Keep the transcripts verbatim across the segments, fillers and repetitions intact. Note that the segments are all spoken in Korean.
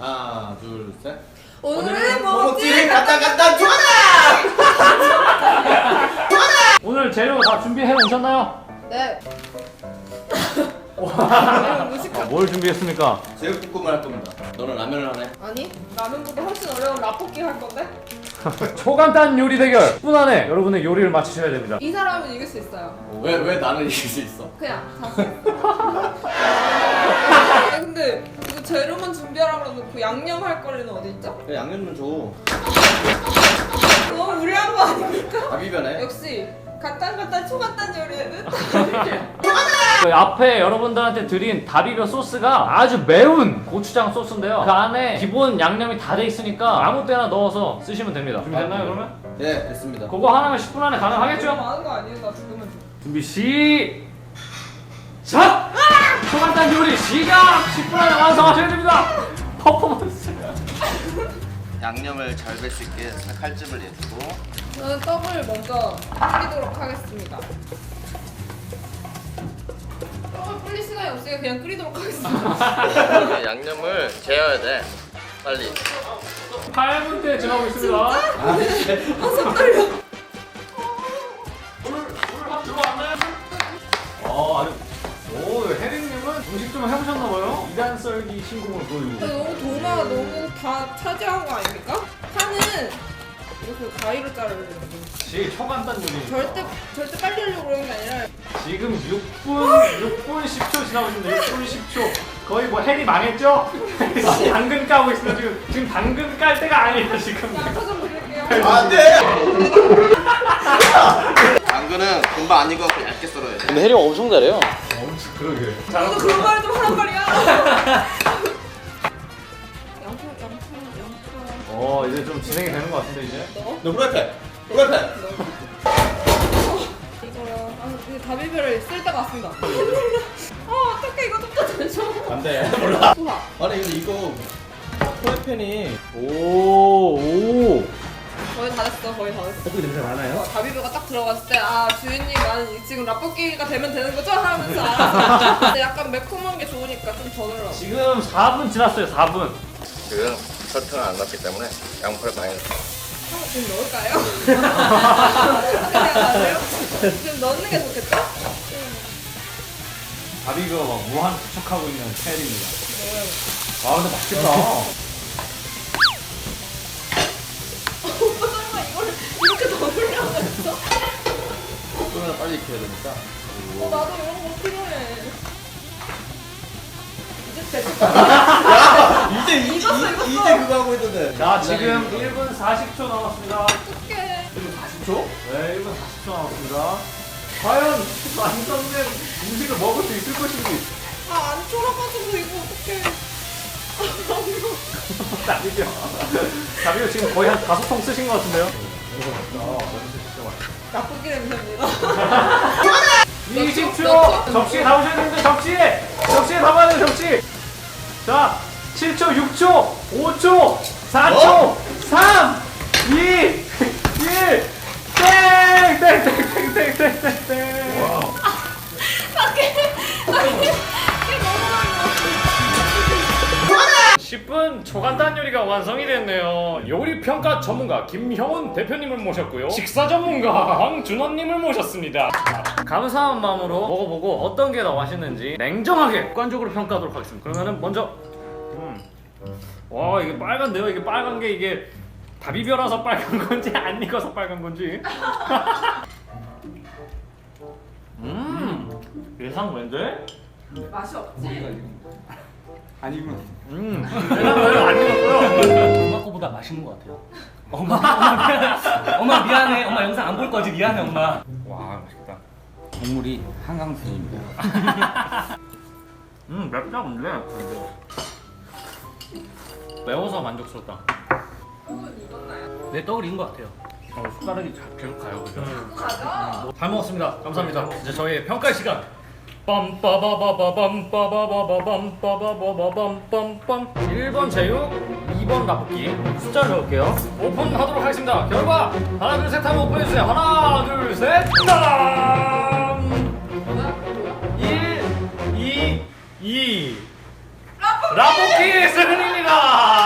하나, 둘, 셋. 오늘은 뭐 먹지? 갔다 갔다 좋아라! 오늘 재료 다 준비해 오셨나요? 네. 아, 뭘 준비했습니까? 제육볶음을 할 겁니다. 너는 라면을 하네? 아니, 라면보다 훨씬 어려운 라볶이 할 건데? 초간단 요리 대결 십 분 안에 여러분의 요리를 맞추셔야 됩니다. 이 사람은 이길 수 있어요. 왜, 왜 나는 이길 수 있어? 그냥 자신. 아, 근데 이거 재료만 준비하라 그러면 그 양념 할 거리는 어디 있죠? 그래, 양념 좀 너무 무리한 거 아닙니까? 줘. 아비변해. 역시 간단간단 초간단 요리에는 그 앞에 여러분들한테 드린 다비벼 소스가 아주 매운 고추장 소스인데요. 그 안에 기본 양념이 다 돼 있으니까 아무 때나 넣어서 쓰시면 됩니다. 준비됐나요 그러면? 네, 됐습니다. 그거 하나면 십 분 안에 가능하겠죠? 너무 많은 거 아니에요? 나 죽으면 죽 준비 시작! 초간단 요리 시작! 십 분 안에 완성하셔야 됩니다. 퍼포먼스. 양념을 잘 뺄 수 있게 칼집을 내주고. 저는 떡을 먼저 끓이도록 하겠습니다. 떡을 끓일 시간이 없으니까 그냥 끓이도록 하겠습니다. 양념을 재어야 돼. 빨리. 팔 분째 지나고 있습니다. 아, 손 떨려. 어, 아주 오, 혜린님은 음식 좀 해보셨나봐요? 이단 썰기 신공을 보여주고. 너무 도마가 너무 다 차지한 거 아닙니까? 파는 이렇게 가위로 자르야 되는데 지 초간단 요리. 절대 절대 빨리 하려고 그러는 게 아니라 지금 육 분, 육 분 십 초 지나고 있습니다. 육 분 십 초. 거의 뭐 혜리 망했죠? 당근 까고 있습니다. 지금 지금 당근 깔 때가 아니에요 지금. 양파 좀 드릴게요. 안 돼! 당근은 금방 안 익어서 얇게 썰어야 돼. 근데 혜리 엄청 잘해요. 엄청 그러게. 너도 그런 말을 좀 하란 말이야. 양파 양파 양파. 어, 이제 좀 진행이 되는 것 같은데 이제. 넣어? 너 프라이팬! 프라이팬! 이거요. 아 근데 다비벼를 쓸 때가 왔습니다. 어 어떡해 이거 좀 더 되죠. 안 돼. 몰라. 좋아. 아니, 근데 이거 프라이팬이 오, 오. 거의 다 됐어 거의 다 됐어. 떡볶이 냄새 많아요? 어, 다비벼가 딱 들어갔을 때 아 주인님 나는 지금 라볶이가 되면 되는 거죠? 하면서 알았어. 근데 약간 매콤한 게 좋으니까 좀 더 넣으라고. 지금 사 분 지났어요. 사 분. 지금 설탕을 안 넣었기 때문에 양파를 많이 넣었어. 어, 지금 넣을까요? 생각하세요? 지금 넣는 게 좋겠죠? 다비가 막 무한 추측하고 있는 혜리입니다. 넣어요. 아, 근데 맛있겠다. 오빠 설마 이걸 이렇게 넣으려고 했어? 그러면 빨리 익혀야 되니까. 어, 나도 이런 거 필요해. 이제 됐을 이제 이, 이, 익었어, 익었어. 이제 그거 하고 있던데. 자, 지금 일 분 사십 초 남았습니다. 어떡해. 사십 초? 네, 일 분 사십 초 남았습니다. 과연 완성된 음식을 먹을 수 있을 것인지. 아, 안 쫄아가지고 이거 어떡해. 다비요. 다비요 지금 거의 한 다섯 통 쓰신 것 같은데요? 라볶이 냄새입니다. 이십 초! 접시에 담으셔야 되는데 접시에! 접시에 담아야 돼요 접시! 자, 칠 초, 육 초, 오 초, 사 초, 어? 삼, 이, 일, 땡! 땡! 땡! 땡! 땡! 땡! 땡! 땡! 십 분 초간단 요리가 완성이 됐네요. 요리 평가 전문가 김형훈 대표님을 모셨고요. 식사 전문가 황준원님을 모셨습니다. 감사한 마음으로 먹어보고 어떤 게 더 맛있는지 냉정하게 객관적으로 평가하도록 하겠습니다. 그러면은 먼저 음. 와, 이게 빨간데요? 이게 빨간 게 이게 다비벼라서 빨간 건지 안 익어서 빨간 건지. 음, 예상 외인데? 맛이 없지? 아니면. 음, 예상 외로 안 익었고요. 엄마 거보다 맛있는 것 같아요. 엄마, 엄마 미안해. 엄마 미안해. 엄마 영상 안 볼 거지? 미안해 엄마. 와, 맛있다. 국물이 한강수입니다. 음, 맵다 근데. 매워서 만족스럽다. 떡은 익었나요? 내 떡을 익은 것 같아요. 어, 숟가락이 자- 계속 가요. 그죠? 가자. 잘 먹었습니다. 감사합니다. 이제 저희의 평가 시간. 빰빠바바바밤빠바바바밤빠바바바밤빰빰 일 번 제육, 이 번 라볶이. 숫자를 적을게요. 오픈하도록 하겠습니다. 결과 하나 둘 셋 하면 오픈해주세요. 하나 둘 셋. 따란! 일, 이, 이. 라볶이 승리입니다.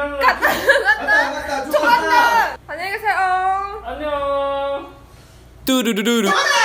가자. 갔다 갔다 갔다 갔다. 안녕히 계세요. 안녕. 뚜루루루루